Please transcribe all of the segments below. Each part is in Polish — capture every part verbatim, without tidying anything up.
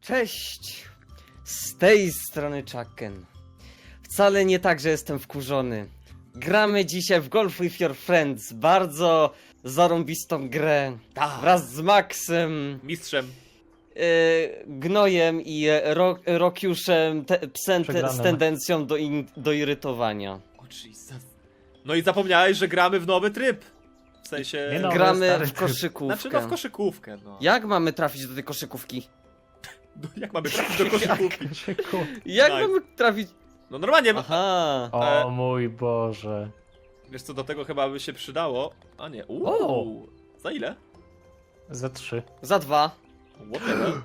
Cześć! Z tej strony Chucken. Wcale nie tak, że jestem wkurzony. Gramy dzisiaj w Golf with Your Friends. Bardzo zarąbistą grę. Ta. Wraz z Maxem, Mistrzem. yy, Gnojem i ro Rokiuszem, te psem te z tendencją do, in do irytowania. O Jesus. No i zapomniałeś, że gramy w nowy tryb. W sensie... Nie no. Gramy stary w tryb. koszykówkę. Znaczy no w koszykówkę, no. Jak mamy trafić do tej koszykówki? No, jak mamy trafić do koszykówki? Jak Nice. mamy trafić? No normalnie, Aha. O mój Boże. wiesz co, do tego chyba by się przydało. A nie, uuu. Za ile? Za trzy. Za dwa. What the hell?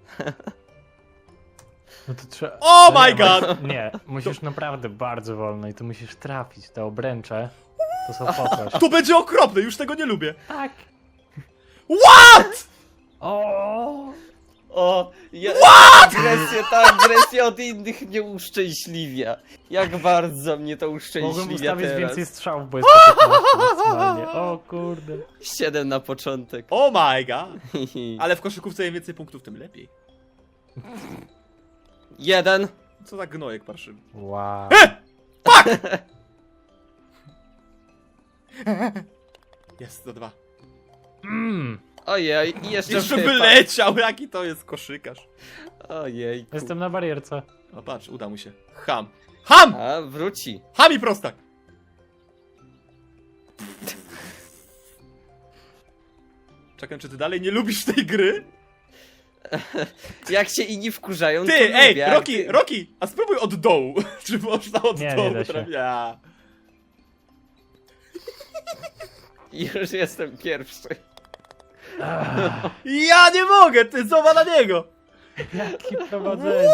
No to trzeba... Oh my nie, god! Nie, musisz naprawdę bardzo wolno i to musisz trafić. Te obręcze to są po coś. To będzie okropne, już tego nie lubię. Tak. What?! O! O, ja, ta agresja, ta agresja od innych mnie uszczęśliwia. Jak bardzo mnie to Mogłem uszczęśliwia ustawić teraz. więcej strzałów, bo jest po piętnaście maksymalnie. O kurde. Siedem na początek. Oh my god! Ale w koszykówce im więcej punktów, tym lepiej. Jeden. Co za gnojek parszywy. Wow. Jest, za dwa. Mm. Ojej, i jeszcze, Jeszcze wypadł. wyleciał, jaki to jest koszykarz. Ojej. Jestem na barierce. O patrz, uda mu się. Ham. Ham! A, wróci. Ham i prostak! Czekam, czy ty dalej nie lubisz tej gry? Jak się inni wkurzają, to Ty, lubię, ej, jak Roki, ty- Roki, a spróbuj od dołu. Czy można od Nie, nie dołu da się. trafić? Ja. Już jestem pierwszy. Ach, ja nie mogę, ty zobacz na niego! jakie prowadzenie.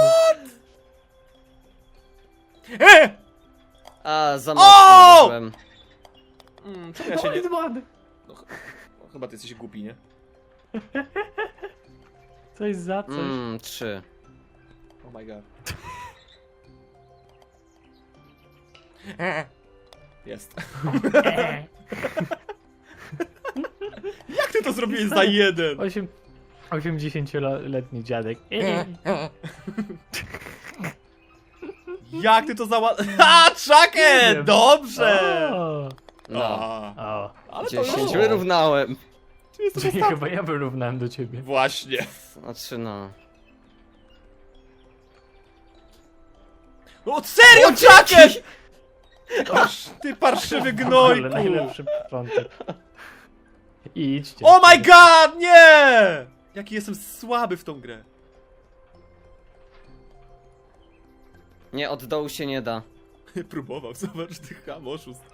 E! A, za O! mocno byłem. Mm, czemu ja się nie... Point one. No, ch- no, chyba ty jesteś głupi, nie? Coś za coś. Mmm, trzy. Oh my god. Jest. Jak ty to zrobiłeś za jeden? Osiem... osiemdziesięcioletni dziadek. Jak ty to zała... Ha, Nie Chucken! wiem. Dobrze! O, No. A, o. ale to Dziesięć no. wyrównałem. Ty jesteś Czyli ostatni. chyba ja wyrównałem do ciebie. Właśnie. Znaczy no. No serio, O, Chucken! dzięki! Aż ty parszywy Ale gnojku! najlepszy początek. Idźcie. Oh my god, nie! Jaki jestem słaby w tą grę. Nie, od dołu się nie da. Próbował, zobacz, ty ham, oszust.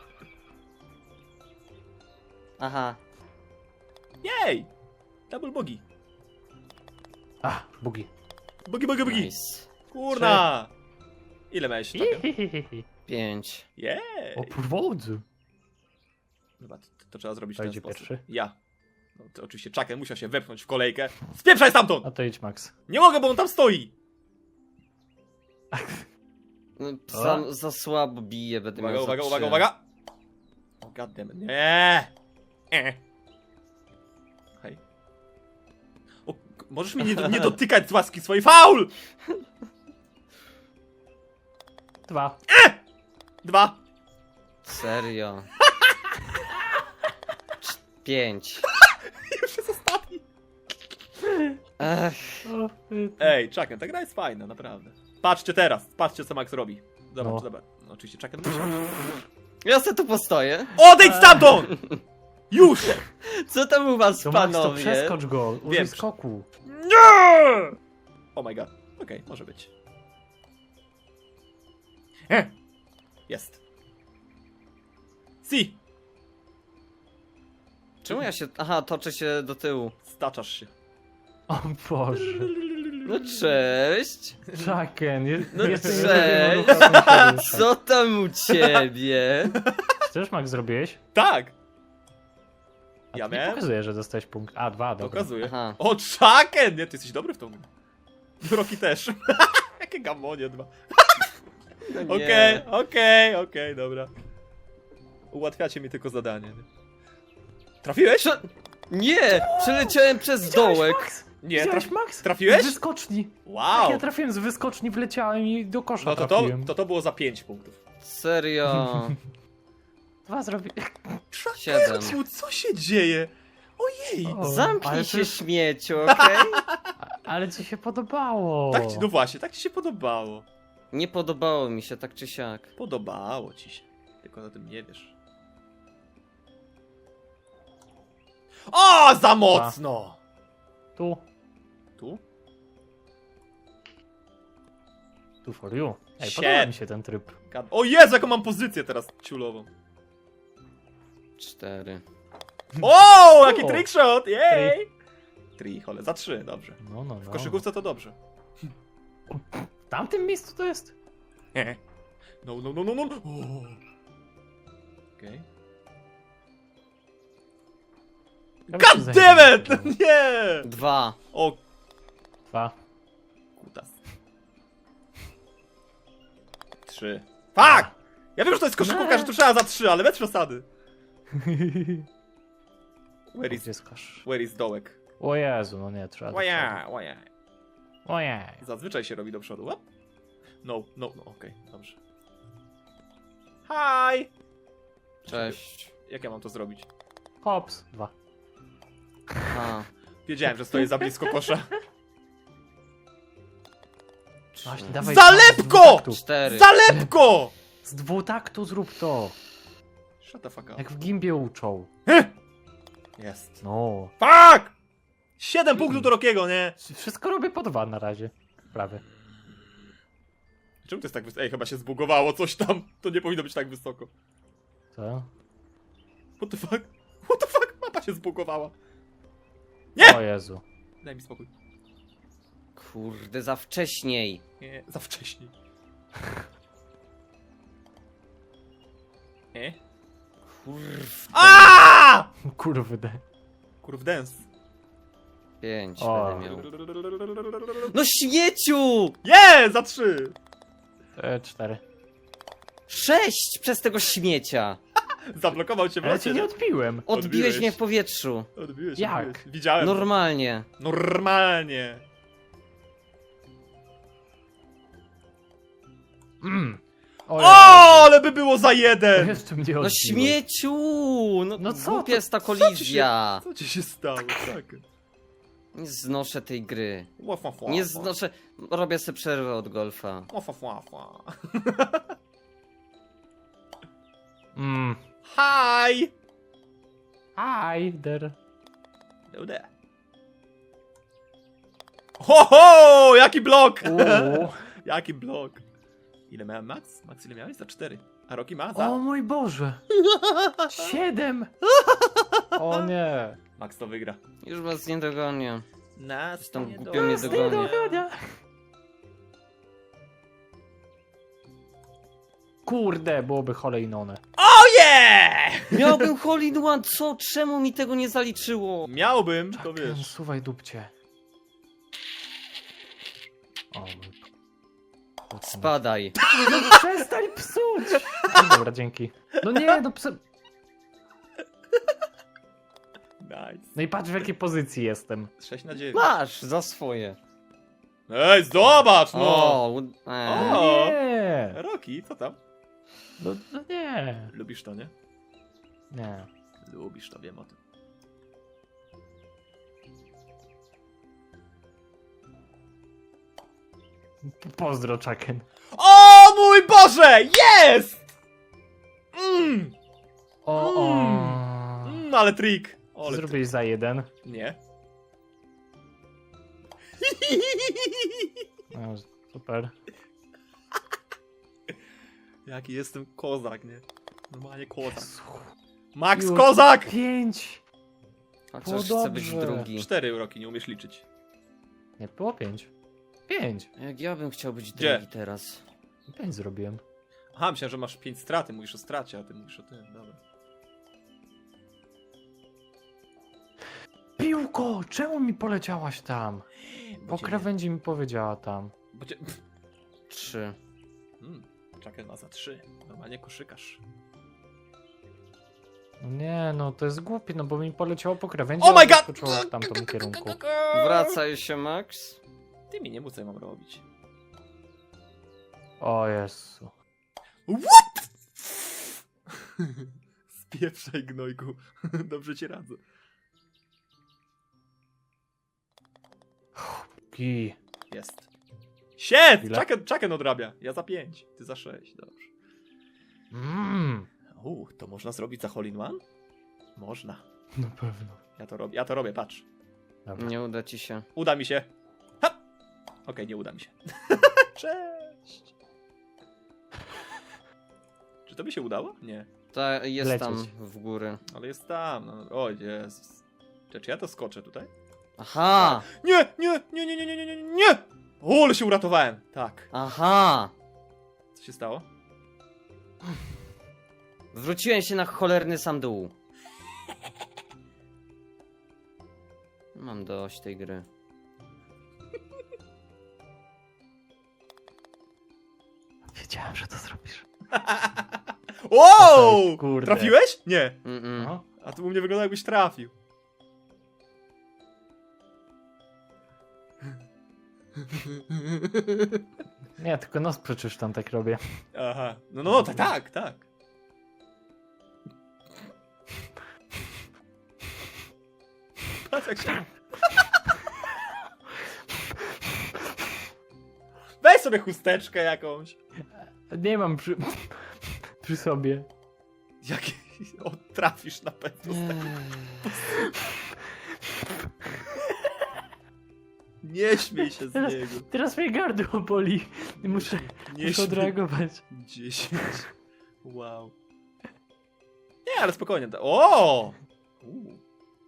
Aha. Jej! Double bogi. A, bugi. Bogi, bogi, bogi. Nice. Kurna! Ile miałeś Chucken? Pięć. Jej! O powodzu. Dobra, to, to trzeba zrobić w To ten idzie sposób. pierwszy? Ja. No to oczywiście Chucken musiał się wepchnąć w kolejkę. Spieprzaj stamtąd! A to idź, Max. Nie mogę, bo on tam stoi! No, sam za słabo bije, będę Uwaga, miał za uwaga, trzy. uwaga, uwaga! O goddammit, nie! E. Hej. O, k- możesz mnie nie, nie dotykać z łaski swojej, faul! Dwa. Dwa. Serio. Cz- Pięć. Już jest ostatni. Ech, O, ty- Ej, Chucken, ta gra jest fajna, naprawdę. Patrzcie teraz, patrzcie co Max robi. Zobacz, No. zobacz. No, oczywiście Chucken musi. ja se tu postoję. Odejdź stamtąd! Już! Co tam u was, To Max, to panowie? przeskocz go. Użyj Wiem. skoku. Nie! Oh my god. Okej, może być. E. Jest. Si! Czemu ja się... Aha, toczę się do tyłu. Staczasz się. O Boże. No cześć. Chucken, je, No jestem cześć. jedynym ruchem, który się rusza. Co tam u ciebie? Też Max zrobiłeś? Tak! A Ja to nie miałem? pokazuje, że dostałeś punkt. A, dwa, dobra. Pokazuję. Aha. O, Chucken! Nie, ty jesteś dobry w tą grę. Roki też. Jakie gamonie dwa. No nie. Okej, okej, okej, dobra. Ułatwiacie mi tylko zadanie. Nie? Trafiłeś? Prze- Nie! Przeleciałem przez dołek. Nie, Widziałeś, traf... Max? trafiłeś? Z wyskoczni. Wow! Ja trafiłem z wyskoczni, wleciałem i do kosza No to to, trafiłem. to to było za pięć punktów. Serio. Dwa zrobi... Siedem. Czakerciu, co się dzieje? Ojej! O, ale Zamknij to się, jest- śmieciu, okej? Ale ci się podobało. Tak ci, no właśnie, tak ci się podobało. Nie podobało mi się tak czy siak. Podobało ci się. Tylko o tym nie wiesz. O, za mocno! Tu, Tu? tu for you. Ej, Shit. podoba mi się ten tryb. Gad- O Jezu, jaką mam pozycję teraz ciulową. Cztery. O, jaki O. trickshot! Jej! Tri, chole, za trzy, dobrze. No, no, W no. koszykówce to dobrze. W tamtym miejscu to jest? No, no, no, no, no. O. Okej. Ja bym God się damn zajmował. it! Nie! Dwa. O, Dwa. kutas. Trzy. Fuck! Ja wiem, że to jest koszykówka, Nie. że tu trzeba za trzy, ale bez przesady. Where is, Gdzie skasz? where is dołek? O Jezu, no nie, trzeba do Łaja, przodu. łaja. Ojej. Zazwyczaj się robi do przodu. Łap. No, no, no, okej, dobrze. Hi! Cześć. Jak ja mam to zrobić? Hops. Dwa. A. Wiedziałem, że stoję za blisko kosza. Trzy. Właśnie, dawaj. Za dawaj, z lepko! dwutaktu. Cztery. Za lepko! Z dwutaktu zrób to. Shut the fuck up. Jak w gimbie uczą. Jest. No. Fuck! Siedem punktów do Rokiego, nie? Wszystko robię po dwa na razie. Prawie. Czemu to jest tak wysoko? Ej, chyba się zbugowało coś tam. To nie powinno być tak wysoko. Co? What the fuck? What the fuck? Mapa się zbugowała. Nie! O Jezu. Daj mi spokój. Kurde, za wcześniej. Nie, za wcześnie. Nie? Kurw. Aaaa! Kurwy. Kurw dance. Pięć O. będę miał. No śmieciu! Nie, za trzy. E, cztery. Sześć przez tego śmiecia. Zablokował cię w Ale locie. cię nie odpiłem. Odbiłeś Odbiłeś. mnie w powietrzu. Odbiłeś, Jak? odbiłeś. Widziałem. to. Normalnie. Normalnie. Mm. O, O, Jezu. ale by było za jeden! Jeszcze mnie No odbiłeś. śmieciu! No, No no co co? Głupia to- jest ta co ci się- kolizja. Co ci się stało? Tak. Nie znoszę tej gry. Łaf, łaf, łaf, Nie łaf. znoszę... Robię sobie przerwę od golfa. Łaf, łaf, łaf, łaf. Mm. Hi! Hi there. No there. Ho, ho! Jaki blok! Uuu. Jaki blok? Ile miałem Max? Max ile miałeś? Za cztery. A Roki ma? O Za... mój Boże. Siedem. O nie. Max to wygra. Już was nie dogonię. Nas Jestem nie głupio dogonię. nie dogonię. Dogania. Kurde, byłoby kolejnone. Oh yeah! Miałbym hole in one, co? Czemu mi tego nie zaliczyło? Miałbym, to Czekaj, wiesz. Suwaj dupcie. O mój... Spadaj. No przestań psuć! No dobra, dzięki. No nie, no psu... Nice. No i patrz w jakiej pozycji jestem. sześć na dziewięć. Masz za swoje. Ej, zobacz, no! O, u- e. O. Nie! Roki, co tam? No, no nie. Lubisz to, nie? Nie. Lubisz to, wiem o tym. Pozdro, Chucken. O mój Boże! Jest! Mmm! O, o. Mm, ale trik. Ale Zrobiłeś za jeden. trik. Nie. No, super. Jaki jestem kozak, nie? Normalnie kozak. Jezu. Max Już. Kozak! Pięć! Chociaż Było chcę być dobrze. drugi. Cztery Roki, nie umiesz liczyć. Nie, było pięć. Pięć. Jak ja bym chciał być Gdzie? drugi teraz. Pięć zrobiłem. Aha, myślałem, że masz pięć straty, mówisz o stracie, a ty mówisz o tym, dobra. Piłko! Czemu mi poleciałaś tam? Bo Po cię nie- krawędzi mi powiedziała tam. Bo cię... Trzy. Hmm, Chucken ma za trzy. Normalnie koszykarz. No nie, no to jest głupie, no bo mi poleciało po krawędzi, Oh a my god! wyskoczyło w tamtym kierunku. Wracaj się, Max. Ty mi nie mów, co ja mam robić. O Jezu. What? Spieprzaj, gnojku. Dobrze ci radzę. Ki. Jest. Shit! Ile? Chucken, Chucken odrabia. Ja za pięć, ty za sześć. Dobrze. Mmm. Uuu, to można zrobić za hole in one? Można. Na pewno. Ja to robię, ja to robię, patrz. Dobra. Nie uda ci się. Uda mi się. Ha! Okej, nie uda mi się. Cześć! Czy to by się udało? Nie. Ta jest Lecieć. tam w góry. Ale jest tam. No. O Jezus. Czy, czy ja to skoczę tutaj? Aha! Nie, nie, nie, nie, nie, nie, nie, nie, nie! O, ale się uratowałem. Tak. Aha! Co się stało? Wróciłem się na cholerny sam dół. Mam dość tej gry. Wiedziałem, że to zrobisz. Wow! Kurde. Trafiłeś? Nie. Mm -mm. No. A tu u mnie wygląda, jakbyś trafił. Nie, tylko nos przecież tam tak robię. Aha. No, no, tak, tak, tak. Patrz jak się... Weź sobie chusteczkę jakąś. Nie mam przy, przy sobie. Jak... O, trafisz na pewno. Nie śmiej się z Teraz, niego. teraz mnie gardło boli. I muszę, Nie muszę śmiej. odreagować. dziesięć. Wow. Nie, ale spokojnie. O! U.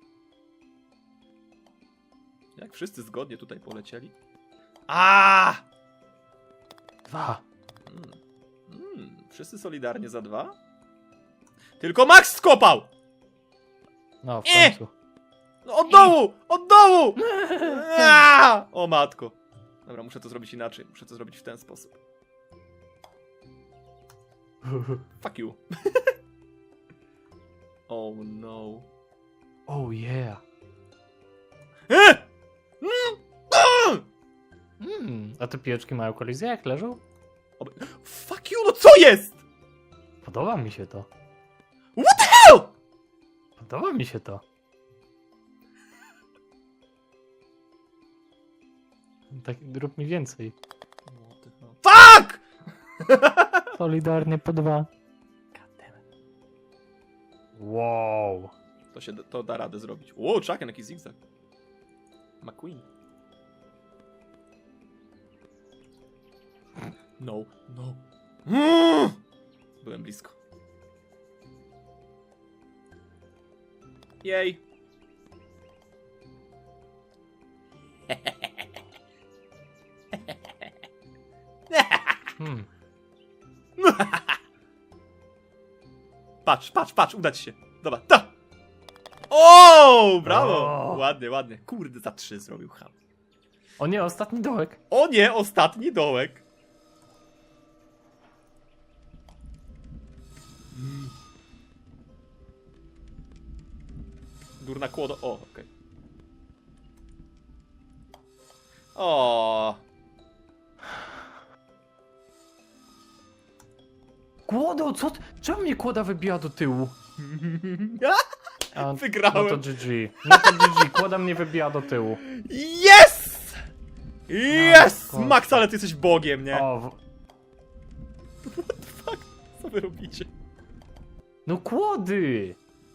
Jak wszyscy zgodnie tutaj polecieli. A! Dwa. Mm. Mm. Wszyscy solidarnie za dwa? Tylko Max skopał! No, w Nie! końcu. No od dołu! Od dołu! A! O matko. Dobra, muszę to zrobić inaczej. Muszę to zrobić w ten sposób. Fuck you. Oh no. Oh yeah. E! Mm! A! Mm, a te piłeczki mają kolizję jak leżą? Fuck you, no co jest? Podoba mi się to. What the hell? Podoba mi się to. Tak, rób mi więcej. Fuck! Solidarnie po dwa. Wow. To się to da radę zrobić. Wow, Chucken, jaki zigzag. McQueen. No, no. Mm! Byłem blisko. Jej. Hmm. Patrz, patrz, patrz, uda ci się. Dobra, ta! O, brawo! O. Ładnie, ładnie. Kurde, za trzy zrobił ham. O nie, ostatni dołek. O nie, ostatni dołek. Mm. Durna kłodo. O, okej. Okay. O. Kłodo, co? ty- Czemu mnie kłoda wybija do tyłu? A, Wygrałem. No to G G. No to G G, kłoda mnie wybija do tyłu. Yes! Yes! No, Max, ale ty jesteś bogiem, nie? O, w... Co wy robicie? No kłody!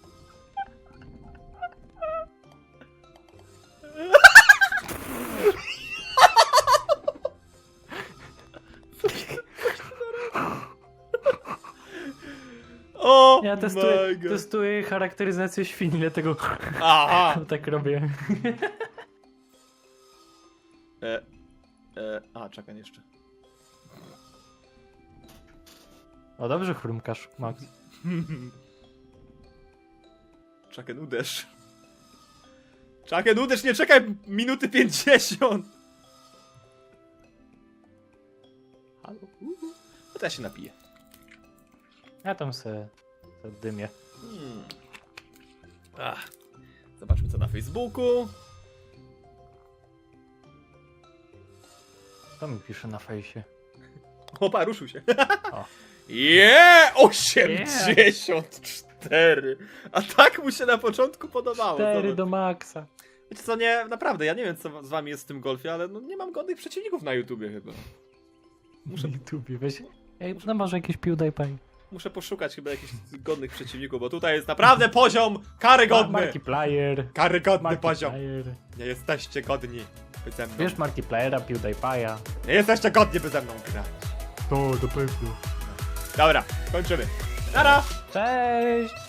O, Ja testuję, my God. testuję charakteryzację świni, dlatego Aha! tak robię. E, e, a, czekaj jeszcze. O, dobrze chrumkasz, Max. Chucken, uderz. Chucken, uderz, nie czekaj minuty pięćdziesiąt. Halo? Uhu. No to ja się napiję. Ja tam se, se dymię. Hmm. Ach. Zobaczmy co na Facebooku. Co mi pisze na fejsie? Opa, ruszył się. O. Je! osiemdziesiąt cztery! A tak mu się na początku podobało. Cztery Zobacz. do maksa. Wiecie co, nie, naprawdę, ja nie wiem co z wami jest w tym golfie, ale no nie mam godnych przeciwników na YouTubie chyba. Muszę... YouTube, weź... Ej, no może jakieś PewDiePie. Muszę poszukać chyba jakichś godnych przeciwników, bo tutaj jest naprawdę poziom karygodny! Markiplier. Karygodny poziom! Markiplier. Nie jesteście godni by ze mną. Wiesz Markipliera, PewDiePie'a. Nie jesteście godni by ze mną grać. To, do pewno. Dobra, kończymy. Nara! Cześć!